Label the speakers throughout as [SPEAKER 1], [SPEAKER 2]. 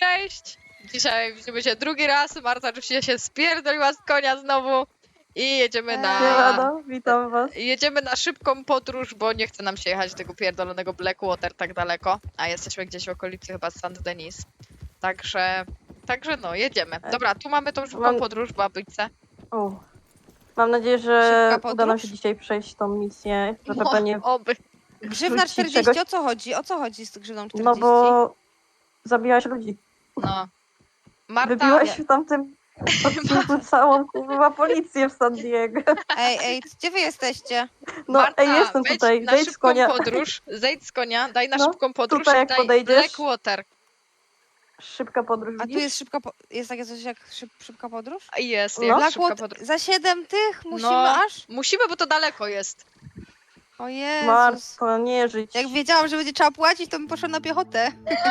[SPEAKER 1] cześć! Dzisiaj widzimy się drugi raz. Marta oczywiście się spierdoliła z konia znowu. I jedziemy na...
[SPEAKER 2] Siemano, witam was.
[SPEAKER 1] Jedziemy na szybką podróż, bo nie chce nam się jechać do tego pierdolonego Blackwater tak daleko. A jesteśmy gdzieś w okolicy chyba Saint-Denis. Także no, jedziemy. Dobra, tu mamy tą szybką podróż, babyjce.
[SPEAKER 2] Mam nadzieję, że
[SPEAKER 3] Szybka
[SPEAKER 2] uda nam
[SPEAKER 3] podróż?
[SPEAKER 2] się dzisiaj przejść tą misję. Że
[SPEAKER 1] No,
[SPEAKER 2] pewnie
[SPEAKER 1] oby.
[SPEAKER 3] Grzywna
[SPEAKER 2] wrzuci
[SPEAKER 3] 40,
[SPEAKER 2] czegoś.
[SPEAKER 3] o co chodzi? O co chodzi z grzywną 40?
[SPEAKER 2] No bo zabiłaś ludzi.
[SPEAKER 1] No. Marta,
[SPEAKER 2] Wybiłaś w tamtym odcinku całą kurwa policję w San Diego.
[SPEAKER 3] Ej, gdzie wy jesteście?
[SPEAKER 2] No
[SPEAKER 1] Marta,
[SPEAKER 2] ej, jestem
[SPEAKER 1] wejdź
[SPEAKER 2] tutaj,
[SPEAKER 1] na
[SPEAKER 2] zejdź z
[SPEAKER 1] szybką
[SPEAKER 2] konia.
[SPEAKER 1] podróż, zejdź z konia, daj na
[SPEAKER 2] No,
[SPEAKER 1] szybką podróż
[SPEAKER 2] tutaj
[SPEAKER 1] i
[SPEAKER 2] jak
[SPEAKER 1] daj
[SPEAKER 2] podejdziesz.
[SPEAKER 1] Blackwater.
[SPEAKER 2] Szybka podróż,
[SPEAKER 3] A tu
[SPEAKER 2] widzisz?
[SPEAKER 3] jest jest takie coś jak szybka podróż?
[SPEAKER 1] Jest,
[SPEAKER 2] No.
[SPEAKER 1] jak szybka
[SPEAKER 3] Blackwood
[SPEAKER 1] podróż.
[SPEAKER 3] za 7 tych musimy
[SPEAKER 1] No.
[SPEAKER 3] aż?
[SPEAKER 1] Musimy, bo to daleko jest.
[SPEAKER 3] O Jezus.
[SPEAKER 2] Marto, nie żyć.
[SPEAKER 3] Jak wiedziałam, że będzie trzeba płacić, to bym poszła na piechotę.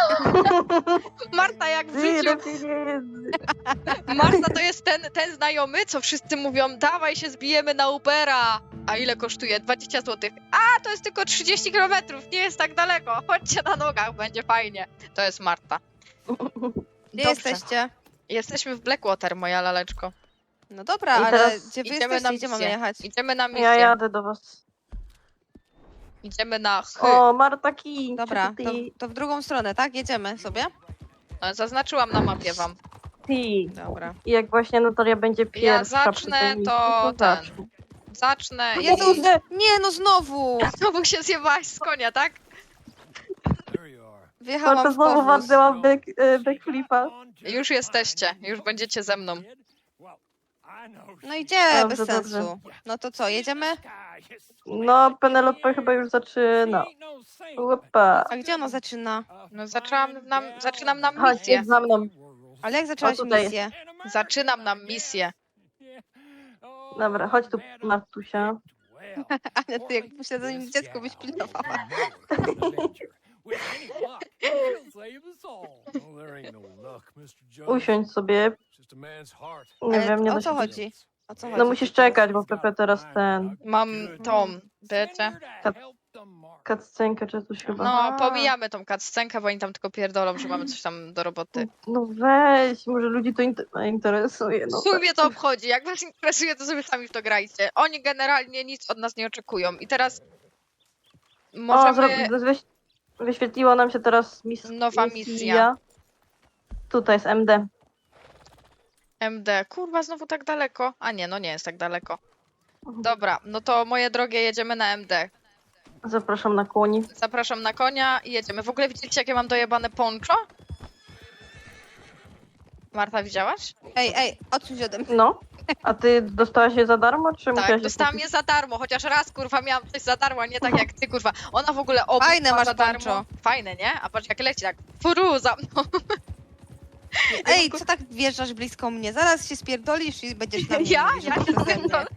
[SPEAKER 1] Marta jak w życiu.
[SPEAKER 2] Tyle pieniędzy.
[SPEAKER 1] Marta to jest ten znajomy, co wszyscy mówią, dawaj się zbijemy na Ubera. A ile kosztuje? 20 zł. A, to jest tylko 30 km, nie jest tak daleko. Chodźcie na nogach, będzie fajnie. To jest Marta.
[SPEAKER 3] Gdzie
[SPEAKER 1] Dobrze.
[SPEAKER 3] jesteście?
[SPEAKER 1] Jesteśmy w Blackwater, moja laleczko.
[SPEAKER 3] No dobra,
[SPEAKER 2] I
[SPEAKER 3] ale
[SPEAKER 2] teraz
[SPEAKER 3] gdzie wy
[SPEAKER 1] idziemy
[SPEAKER 3] jesteście?
[SPEAKER 1] na
[SPEAKER 3] Gdzie mamy
[SPEAKER 1] misję.
[SPEAKER 3] jechać?
[SPEAKER 1] Idziemy na misję.
[SPEAKER 2] Ja jadę do was.
[SPEAKER 1] Idziemy na
[SPEAKER 2] O, Marta King.
[SPEAKER 3] Dobra,
[SPEAKER 2] Ty.
[SPEAKER 3] to w drugą stronę, tak? Jedziemy sobie?
[SPEAKER 1] Zaznaczyłam na mapie wam.
[SPEAKER 3] Dobra.
[SPEAKER 2] I jak właśnie Natalia będzie pierwsza przy
[SPEAKER 1] zacznę,
[SPEAKER 2] tej misji,
[SPEAKER 1] to
[SPEAKER 2] zacznę.
[SPEAKER 1] Zacznę i...
[SPEAKER 3] Jezus!
[SPEAKER 2] Nie.
[SPEAKER 3] Nie, no znowu!
[SPEAKER 1] Znowu się zjebałaś z konia, tak?
[SPEAKER 2] Marta
[SPEAKER 3] Wjechałam w
[SPEAKER 2] znowu
[SPEAKER 3] powóz.
[SPEAKER 2] walnęła backflipa.
[SPEAKER 1] Już jesteście, już będziecie ze mną.
[SPEAKER 3] No idzie,
[SPEAKER 2] Dobrze,
[SPEAKER 3] bez
[SPEAKER 2] dobrze.
[SPEAKER 3] sensu. No to co, jedziemy?
[SPEAKER 2] No, Penelope chyba już zaczyna. Upa.
[SPEAKER 3] A gdzie ona zaczyna?
[SPEAKER 1] No zaczynam nam
[SPEAKER 2] Chodź,
[SPEAKER 1] misję.
[SPEAKER 2] jedź za mną.
[SPEAKER 3] Ale jak zaczęłaś
[SPEAKER 2] tutaj.
[SPEAKER 3] misję?
[SPEAKER 1] Zaczynam nam misję.
[SPEAKER 2] Dobra, chodź tu, Martusia.
[SPEAKER 3] Ale ty jak posiadanie dziecko byś pilnowała.
[SPEAKER 2] Usiądź sobie. Nie
[SPEAKER 3] Ale
[SPEAKER 2] wiem, nie
[SPEAKER 3] o
[SPEAKER 2] da
[SPEAKER 3] co
[SPEAKER 2] się...
[SPEAKER 3] chodzi? O co chodzi?
[SPEAKER 2] No musisz czekać, bo Pepe teraz
[SPEAKER 1] Mam tą, wiecie?
[SPEAKER 2] cutscenkę czy coś chyba.
[SPEAKER 1] No, pomijamy tą cutscenkę, bo oni tam tylko pierdolą, że mamy coś tam do roboty.
[SPEAKER 2] No weź, może ludzi to interesuje. No
[SPEAKER 1] W sumie to obchodzi, jak was interesuje, to sobie sami w to grajcie. Oni generalnie nic od nas nie oczekują. I teraz możemy...
[SPEAKER 2] Wyświetliła nam się teraz
[SPEAKER 1] Nowa misja.
[SPEAKER 2] Tutaj jest MD.
[SPEAKER 1] MD. Kurwa, znowu tak daleko. A nie, no nie jest tak daleko. Dobra, no to moje drogie, jedziemy na MD.
[SPEAKER 2] Zapraszam na kłoni.
[SPEAKER 1] Zapraszam na konia i jedziemy. W ogóle widzieliście, jakie mam dojebane poncho? Marta, widziałaś?
[SPEAKER 3] Ej, odsuń się ode mnie.
[SPEAKER 2] No. A ty dostałaś je za darmo, czy
[SPEAKER 1] Tak,
[SPEAKER 2] musiałaś
[SPEAKER 1] dostałam
[SPEAKER 2] kupić?
[SPEAKER 1] je za darmo, chociaż raz, kurwa, miałam coś za darmo, a nie tak jak ty, kurwa. Ona w ogóle obóz
[SPEAKER 3] Fajne
[SPEAKER 1] ma
[SPEAKER 3] masz
[SPEAKER 1] za darmo.
[SPEAKER 3] poncho.
[SPEAKER 1] Fajne, nie? A patrz, jak leci, tak furu za mną.
[SPEAKER 3] Ej, co tak wjeżdżasz blisko mnie? Zaraz się spierdolisz i będziesz na mnie
[SPEAKER 1] Ja?
[SPEAKER 3] mówić, że
[SPEAKER 1] Ja się
[SPEAKER 3] przeze mnie.
[SPEAKER 1] spierdolę.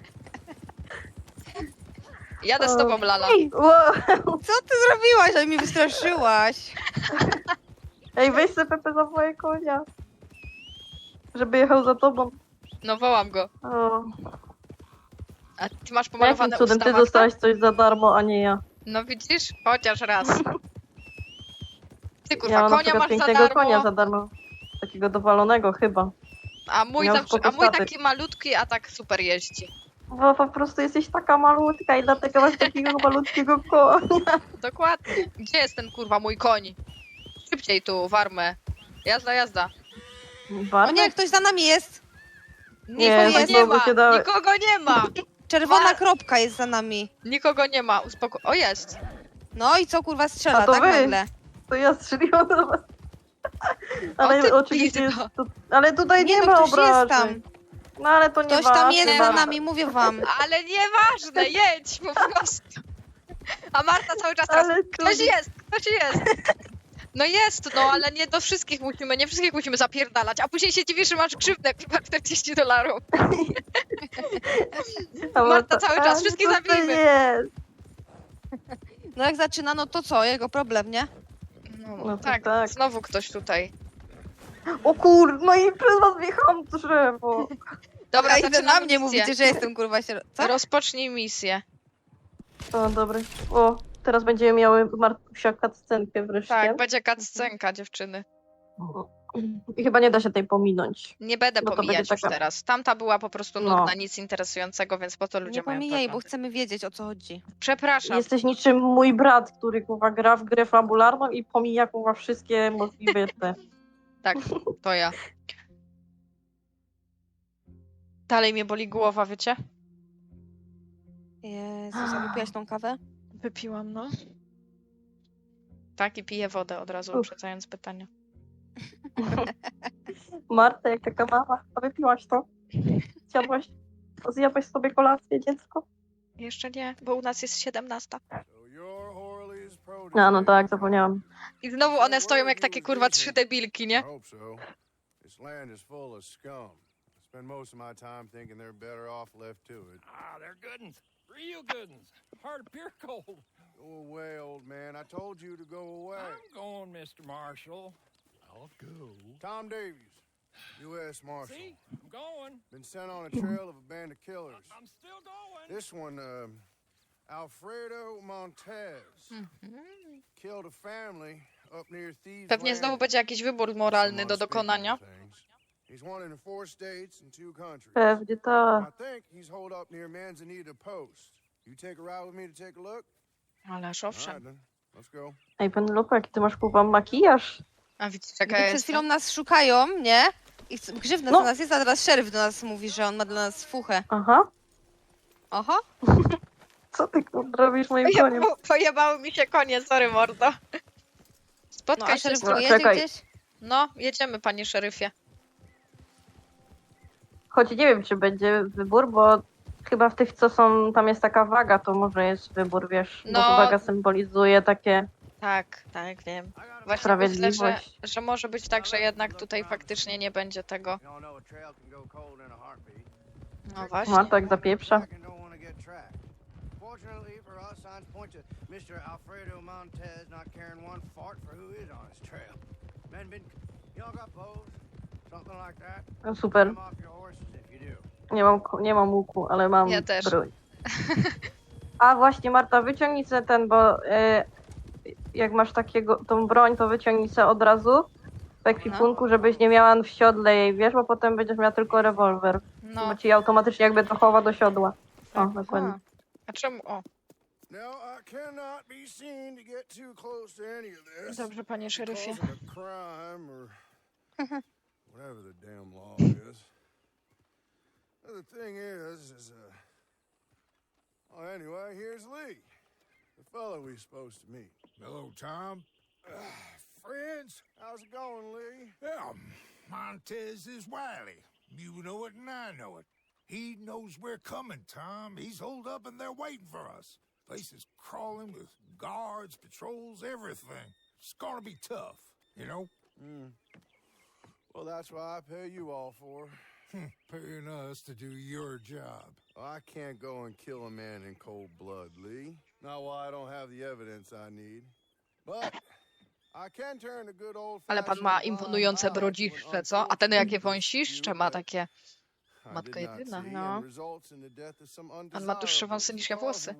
[SPEAKER 1] Jadę z tobą, Lala.
[SPEAKER 2] Wow.
[SPEAKER 3] Co ty zrobiłaś? Ale mnie wystraszyłaś.
[SPEAKER 2] Ej, weź sobie Pepe za moje konia. Żeby jechał za tobą.
[SPEAKER 1] No wołam go.
[SPEAKER 2] O.
[SPEAKER 1] A ty masz
[SPEAKER 2] Jakim
[SPEAKER 1] pomalowane
[SPEAKER 2] cudem
[SPEAKER 1] usta,
[SPEAKER 2] ty
[SPEAKER 1] Marta?
[SPEAKER 2] dostałaś coś za darmo, a nie ja.
[SPEAKER 1] No widzisz? Chociaż raz. Ty,
[SPEAKER 2] Ja
[SPEAKER 1] kurwa,
[SPEAKER 2] mam na
[SPEAKER 1] konia
[SPEAKER 2] przykład
[SPEAKER 1] masz za
[SPEAKER 2] pięknego konia
[SPEAKER 1] darmo,
[SPEAKER 2] za darmo. Takiego dowalonego chyba.
[SPEAKER 1] a mój,
[SPEAKER 2] miał
[SPEAKER 1] zawsze,
[SPEAKER 2] spoko
[SPEAKER 1] a mój
[SPEAKER 2] statyw.
[SPEAKER 1] taki malutki, a tak super jeździ.
[SPEAKER 2] Bo po prostu jesteś taka malutka i dlatego masz takiego malutkiego konia.
[SPEAKER 1] Dokładnie. Gdzie jest ten, kurwa, mój koń? Szybciej tu, warmę. Jazda, jazda.
[SPEAKER 3] O nie, ktoś za nami jest.
[SPEAKER 1] Nikogo
[SPEAKER 2] tak
[SPEAKER 1] nie
[SPEAKER 2] znowu
[SPEAKER 1] ma!
[SPEAKER 2] się dały.
[SPEAKER 1] Nikogo nie ma!
[SPEAKER 3] Czerwona
[SPEAKER 1] Wa-
[SPEAKER 3] kropka jest za nami.
[SPEAKER 1] Nikogo nie ma, O, jest!
[SPEAKER 3] No i co kurwa strzela,
[SPEAKER 2] A to
[SPEAKER 3] tak
[SPEAKER 2] wy.
[SPEAKER 3] nagle?
[SPEAKER 2] To ja strzeliłam do was. Ale
[SPEAKER 1] ty
[SPEAKER 2] oczywiście jest
[SPEAKER 1] pizdo.
[SPEAKER 2] to... Ale tutaj nie,
[SPEAKER 3] Nie, no
[SPEAKER 2] ma
[SPEAKER 3] ktoś jest
[SPEAKER 2] obrażeń.
[SPEAKER 3] tam.
[SPEAKER 2] No ale to nie
[SPEAKER 3] Ktoś tam jest
[SPEAKER 1] nie
[SPEAKER 3] za
[SPEAKER 1] ma.
[SPEAKER 3] nami, mówię wam.
[SPEAKER 1] Ale nieważne, jedź po prostu! A Marta cały czas teraz,
[SPEAKER 2] Ale
[SPEAKER 1] ktoś jest! No jest, no ale nie do wszystkich musimy, nie wszystkich musimy zapierdalać, a później się dziwisz, że masz krzywdę, chyba $40. Marta cały czas, wszystkich zabijmy.
[SPEAKER 2] Jest.
[SPEAKER 3] No jak zaczyna, no to co? Jego problem, nie?
[SPEAKER 1] No,
[SPEAKER 2] to
[SPEAKER 1] tak,
[SPEAKER 2] tak.
[SPEAKER 1] znowu ktoś tutaj.
[SPEAKER 2] O kur... No i przez was wjechałam w drzewo.
[SPEAKER 1] Dobra,
[SPEAKER 3] A i wy na
[SPEAKER 1] zaczynamy
[SPEAKER 3] mnie
[SPEAKER 1] misję.
[SPEAKER 3] mówicie, że jestem kurwa się... Co?
[SPEAKER 1] Rozpocznij misję.
[SPEAKER 2] O, dobry. O, teraz będziemy miały Martusia cutscenkę wreszcie.
[SPEAKER 1] Tak, będzie cutscenka, dziewczyny.
[SPEAKER 2] I chyba nie da się tej pominąć.
[SPEAKER 1] Nie będę
[SPEAKER 2] No to będzie
[SPEAKER 1] pomijać już
[SPEAKER 2] taka-
[SPEAKER 1] teraz. Tamta była po prostu
[SPEAKER 2] No.
[SPEAKER 1] nudna, nic interesującego, więc po to ludzie
[SPEAKER 3] Nie
[SPEAKER 1] mają
[SPEAKER 3] pomijaj, bo
[SPEAKER 1] przeglądy.
[SPEAKER 3] chcemy wiedzieć, o co chodzi.
[SPEAKER 1] Przepraszam.
[SPEAKER 2] Jesteś niczym mój brat, który kurwa gra w grę fabularną i pomija kurwa wszystkie możliwe te.
[SPEAKER 1] Tak, to ja. Dalej mnie boli głowa, wiecie?
[SPEAKER 3] Jezus, a wypiłaś tą kawę?
[SPEAKER 1] Wypiłam, no. Tak, i piję wodę od razu,
[SPEAKER 2] Uch.
[SPEAKER 1] uprzedzając pytanie.
[SPEAKER 2] Marta, jak taka mama, a wypiłaś to? Zjadłaś sobie kolację, dziecko?
[SPEAKER 1] Jeszcze nie, bo u nas jest 17.
[SPEAKER 2] No tak, zapomniałam.
[SPEAKER 1] I znowu one stoją jak takie kurwa 3 debilki, nie?
[SPEAKER 4] This land is full of scum. I spend most of my time thinking they're better off left to it.
[SPEAKER 5] Ah, they're good uns. Real good uns. Hard of pure cold.
[SPEAKER 4] Go away, old man. I told you to go away.
[SPEAKER 5] I'm going, Mr. Marshall. I'll go.
[SPEAKER 4] Tom Davies, U.S. Marshal.
[SPEAKER 5] See? I'm going.
[SPEAKER 4] Been sent on a trail of a band of killers.
[SPEAKER 5] I'm still going.
[SPEAKER 4] This one, Alfredo Montez. Killed a family up near Thieves
[SPEAKER 1] Pewnie znowu będzie jakiś wybór moralny do dokonania.
[SPEAKER 4] He's wanted in 4 states and 2 countries.
[SPEAKER 2] Pewnie to.
[SPEAKER 4] I think he's holed up near Manzanita Post. You take a ride with me to take a look?
[SPEAKER 1] Ależ
[SPEAKER 4] All right
[SPEAKER 1] owszem.
[SPEAKER 4] then. Let's go.
[SPEAKER 2] Ej, Penelope, jaki ty masz kurwa makijaż?
[SPEAKER 1] A widzisz,
[SPEAKER 3] Gdy
[SPEAKER 1] jaka
[SPEAKER 3] przed
[SPEAKER 1] jest.
[SPEAKER 3] chwilą nas szukają, nie? I grzywna
[SPEAKER 2] No.
[SPEAKER 3] do nas jest, a teraz szeryf do nas mówi, że on ma dla nas fuchę.
[SPEAKER 2] Aha.
[SPEAKER 3] Oho.
[SPEAKER 2] Co ty kurwa robisz moim koniem?
[SPEAKER 1] Pojebały mi się konie, sorry mordo.
[SPEAKER 3] No
[SPEAKER 1] Spotkaj
[SPEAKER 3] a
[SPEAKER 1] się
[SPEAKER 3] szeryf
[SPEAKER 1] z...
[SPEAKER 2] Dobra,
[SPEAKER 3] tu jedzie
[SPEAKER 2] czekaj.
[SPEAKER 3] gdzieś?
[SPEAKER 1] No, jedziemy, panie szeryfie.
[SPEAKER 2] Choć nie wiem, czy będzie wybór, bo chyba w tych, co są, tam jest taka waga, to może jest wybór, wiesz.
[SPEAKER 1] No.
[SPEAKER 2] Bo waga symbolizuje takie
[SPEAKER 1] Tak, tak, wiem. Właśnie myślę,
[SPEAKER 2] sprawiedliwość.
[SPEAKER 1] że może być tak, że jednak tutaj faktycznie nie będzie tego.
[SPEAKER 4] Y'all know a trail can go cold in a heartbeat.
[SPEAKER 1] No właśnie.
[SPEAKER 2] Marta jak zapieprza.
[SPEAKER 4] Don't wanna get tracked. Fortunately for us, signs point to Mr. Alfredo Montez not caring one fart for who is on his trail. Men been, y'all got bows? Something like that?
[SPEAKER 2] No, super.
[SPEAKER 4] Come off your horses if you do.
[SPEAKER 2] Nie mam łuku, ale mam
[SPEAKER 1] Ja też.
[SPEAKER 2] broń. A właśnie Marta, wyciągnij sobie ten, bo jak masz takiego, tą broń, to wyciągnij sobie od razu w ekwipunku, żebyś nie miała w siodle jej, wiesz, bo potem będziesz miała tylko rewolwer.
[SPEAKER 1] No,
[SPEAKER 2] Bo ci automatycznie jakby to chowa do siodła. O, dokładnie.
[SPEAKER 1] a czemu? O,
[SPEAKER 4] Now, I cannot be seen to get too close to any of this.
[SPEAKER 1] dobrze, panie szeryfie.
[SPEAKER 4] Cause of a crime or whatever the damn law is. The thing is well, anyway, here's Lee, the fellow we're supposed to meet.
[SPEAKER 6] Hello, Tom. Friends?
[SPEAKER 4] How's it going, Lee?
[SPEAKER 6] Yeah, Montez is wily. You know it and I know it. He knows we're coming, Tom. He's holed up and they're waiting for us. Place is crawling with guards, patrols, everything. It's gonna be tough, you know?
[SPEAKER 4] Well, that's what I pay you all for.
[SPEAKER 6] Paying us to do your job.
[SPEAKER 4] I can't go and kill a man in cold blood, Lee. Not while I don't have the evidence I need. But I can turn a good old
[SPEAKER 1] Ale pan ma imponujące brodziszcze, co? A ten jakie wąsiszcze ma takie. Matka jedyna, no.
[SPEAKER 4] On
[SPEAKER 1] ma dłuższe wąsy niż ja włosy.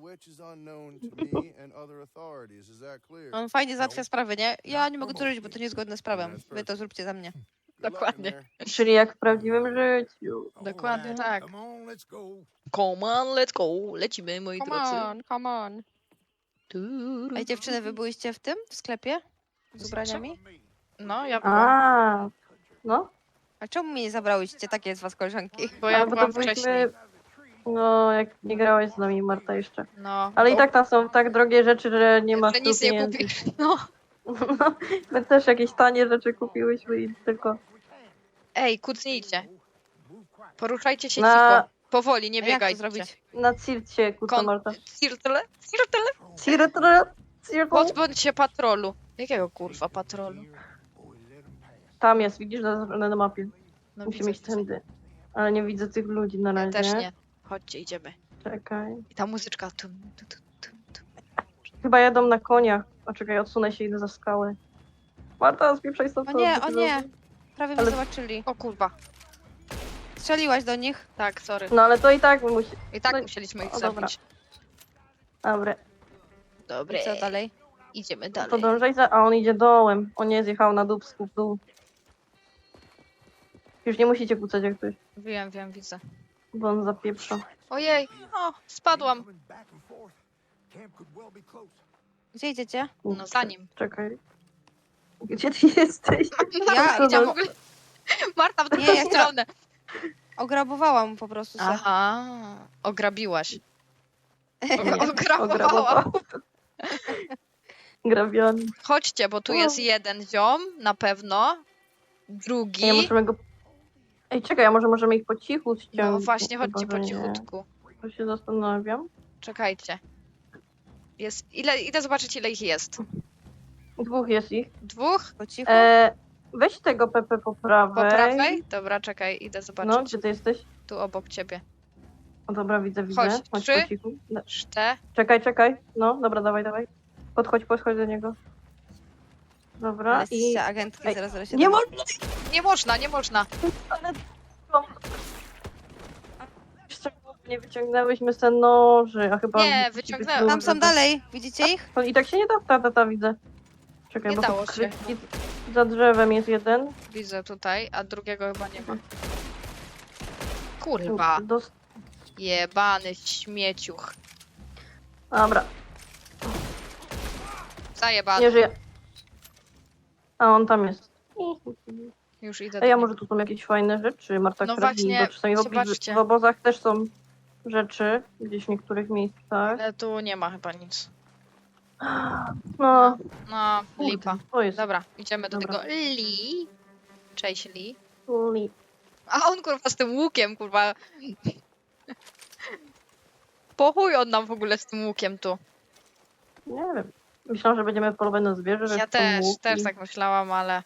[SPEAKER 3] On fajnie załatwia sprawy, nie? Ja nie mogę tu robić, bo to niezgodne z prawem. Wy to zróbcie za mnie.
[SPEAKER 1] Dokładnie.
[SPEAKER 2] Czyli jak w prawdziwym życiu.
[SPEAKER 1] Dokładnie tak.
[SPEAKER 6] Come on, let's go.
[SPEAKER 1] Come on, let's go. Lecimy, moi drodzy.
[SPEAKER 3] come on.
[SPEAKER 1] Turu.
[SPEAKER 3] Ej, dziewczyny, wy byłyście w tym? W sklepie? Z ubraniami?
[SPEAKER 1] No, ja byłam.
[SPEAKER 2] A, no.
[SPEAKER 3] A czemu mnie nie zabrałyście? Takie z was koleżanki.
[SPEAKER 1] Bo ja
[SPEAKER 2] Bo to
[SPEAKER 1] byłam wcześniej.
[SPEAKER 2] No, jak nie grałaś z nami, Marta, jeszcze.
[SPEAKER 1] No.
[SPEAKER 2] Ale i tak tam są tak drogie rzeczy, że nie masz
[SPEAKER 1] Że
[SPEAKER 2] tu
[SPEAKER 1] nic nie
[SPEAKER 2] pieniędzy.
[SPEAKER 1] kupisz. No.
[SPEAKER 2] No, my też jakieś tanie rzeczy kupiłyśmy i tylko
[SPEAKER 1] Ej, kucnijcie. Poruszajcie się
[SPEAKER 2] Na-
[SPEAKER 1] cicho. Powoli, nie
[SPEAKER 3] A jak to
[SPEAKER 1] biegajcie.
[SPEAKER 3] zrobić?
[SPEAKER 2] na circie kuca
[SPEAKER 1] Kon-
[SPEAKER 2] Marta.
[SPEAKER 1] Cirtle? Cirtle?
[SPEAKER 2] Cirtle.
[SPEAKER 1] Pozbądź się patrolu. Jakiego kurwa patrolu?
[SPEAKER 2] Tam jest, widzisz na mapie.
[SPEAKER 1] No,
[SPEAKER 2] Musimy iść
[SPEAKER 1] widzę.
[SPEAKER 2] tędy. Ale nie widzę tych ludzi na
[SPEAKER 1] Ja
[SPEAKER 2] razie.
[SPEAKER 1] też nie. Chodźcie, idziemy.
[SPEAKER 2] Czekaj.
[SPEAKER 1] I ta muzyczka. Tum, tu, tu, tum, tum.
[SPEAKER 2] Chyba jadą na koniach. O, czekaj, odsunę się, idę za skałę. Marta, spieprzaj stąd.
[SPEAKER 3] O nie, o nie! Prawie mnie
[SPEAKER 2] Ale-
[SPEAKER 3] zobaczyli.
[SPEAKER 1] O kurwa.
[SPEAKER 3] Strzeliłaś do nich?
[SPEAKER 1] Tak, sorry.
[SPEAKER 2] No ale to i tak musi...
[SPEAKER 1] I tak
[SPEAKER 2] no-
[SPEAKER 1] musieliśmy ich
[SPEAKER 2] o, dobra.
[SPEAKER 1] zabić.
[SPEAKER 2] Dobra,
[SPEAKER 1] Dobre.
[SPEAKER 3] I co dalej?
[SPEAKER 1] Idziemy
[SPEAKER 2] to
[SPEAKER 1] dalej.
[SPEAKER 2] dążaj za... A on idzie dołem. On nie zjechał na dubsku w dół. Już nie musicie kłócać jak ktoś,
[SPEAKER 1] Wiem, widzę.
[SPEAKER 2] bo on zapieprza.
[SPEAKER 1] Ojej, o, spadłam.
[SPEAKER 6] Coming back and forth. Camp could well be close.
[SPEAKER 3] Gdzie idziecie?
[SPEAKER 1] No za nim.
[SPEAKER 2] Czekaj. Gdzie ty jesteś?
[SPEAKER 3] Ja
[SPEAKER 2] Co
[SPEAKER 1] Idzie
[SPEAKER 2] za-
[SPEAKER 1] w ogóle. Marta w
[SPEAKER 3] Nie,
[SPEAKER 1] drugą
[SPEAKER 3] ja
[SPEAKER 1] stronę.
[SPEAKER 3] Ograbowałam po prostu se.
[SPEAKER 1] Aha, ograbiłaś. Ograbowała.
[SPEAKER 2] Ograbował. Grabiony.
[SPEAKER 1] Chodźcie, bo tu jest jeden ziom, na pewno. Drugi.
[SPEAKER 2] Ej, możemy go... Ej, czekaj, a może możemy ich po cichu ściągnąć?
[SPEAKER 1] No właśnie,
[SPEAKER 2] Chyba,
[SPEAKER 1] chodźcie
[SPEAKER 2] że
[SPEAKER 1] po
[SPEAKER 2] nie.
[SPEAKER 1] cichutku.
[SPEAKER 2] To się zastanawiam.
[SPEAKER 1] Czekajcie. Jest, idę zobaczyć, ile ich jest.
[SPEAKER 2] 2 jest ich.
[SPEAKER 1] 2?
[SPEAKER 3] Po cichu.
[SPEAKER 2] Weź tego Pepe po
[SPEAKER 1] Po
[SPEAKER 2] prawej.
[SPEAKER 1] prawej? Dobra, czekaj, idę
[SPEAKER 2] No,
[SPEAKER 1] zobaczyć.
[SPEAKER 2] gdzie ty jesteś?
[SPEAKER 1] Tu obok ciebie.
[SPEAKER 2] O, dobra, widzę.
[SPEAKER 1] Chodź,
[SPEAKER 2] Chodź
[SPEAKER 1] 3.
[SPEAKER 2] po cichu. No,
[SPEAKER 1] 4.
[SPEAKER 2] czekaj. No, dobra, dawaj. Podchodź do niego. Dobra,
[SPEAKER 3] Ale
[SPEAKER 2] i...
[SPEAKER 3] jesteście agentki
[SPEAKER 2] Ej,
[SPEAKER 3] 007.
[SPEAKER 2] Nie można!
[SPEAKER 1] Nie można.
[SPEAKER 2] Ale... Jeszcze nie wyciągnęłyśmy se noży, a chyba...
[SPEAKER 1] Nie,
[SPEAKER 2] musi być
[SPEAKER 1] wyciągnęłam.
[SPEAKER 2] duży.
[SPEAKER 3] Tam są dalej, widzicie ich?
[SPEAKER 2] To i tak się nie da, ta widzę. Czekaj,
[SPEAKER 1] Nie
[SPEAKER 2] bo
[SPEAKER 1] dało
[SPEAKER 2] tu
[SPEAKER 1] się.
[SPEAKER 2] za drzewem jest jeden.
[SPEAKER 1] Widzę tutaj, a drugiego chyba nie ma. Kurwa, jebany śmieciuch.
[SPEAKER 2] Dobra,
[SPEAKER 1] Zajebany.
[SPEAKER 2] nie żyje. A on tam jest.
[SPEAKER 1] Już idę
[SPEAKER 2] Ej,
[SPEAKER 1] do
[SPEAKER 2] a
[SPEAKER 1] niego.
[SPEAKER 2] może tu są jakieś fajne rzeczy, Marta,
[SPEAKER 1] No
[SPEAKER 2] które
[SPEAKER 1] właśnie,
[SPEAKER 2] bo czasami
[SPEAKER 1] zobaczcie.
[SPEAKER 2] w obozach też są rzeczy, gdzieś w niektórych miejscach.
[SPEAKER 1] Ale tu nie ma chyba nic.
[SPEAKER 2] No,
[SPEAKER 1] No,
[SPEAKER 2] kurde,
[SPEAKER 1] lipa.
[SPEAKER 2] to jest
[SPEAKER 1] Dobra, idziemy do
[SPEAKER 2] Dobra.
[SPEAKER 1] tego Lee. Cześć Lee.
[SPEAKER 2] li.
[SPEAKER 1] A on kurwa z tym łukiem, kurwa. Po chuj on nam w ogóle z tym łukiem tu.
[SPEAKER 2] Nie wiem. Myślałam, że będziemy polować na zwierzę, że
[SPEAKER 1] Ja
[SPEAKER 2] są
[SPEAKER 1] też
[SPEAKER 2] łuki.
[SPEAKER 1] tak myślałam, ale...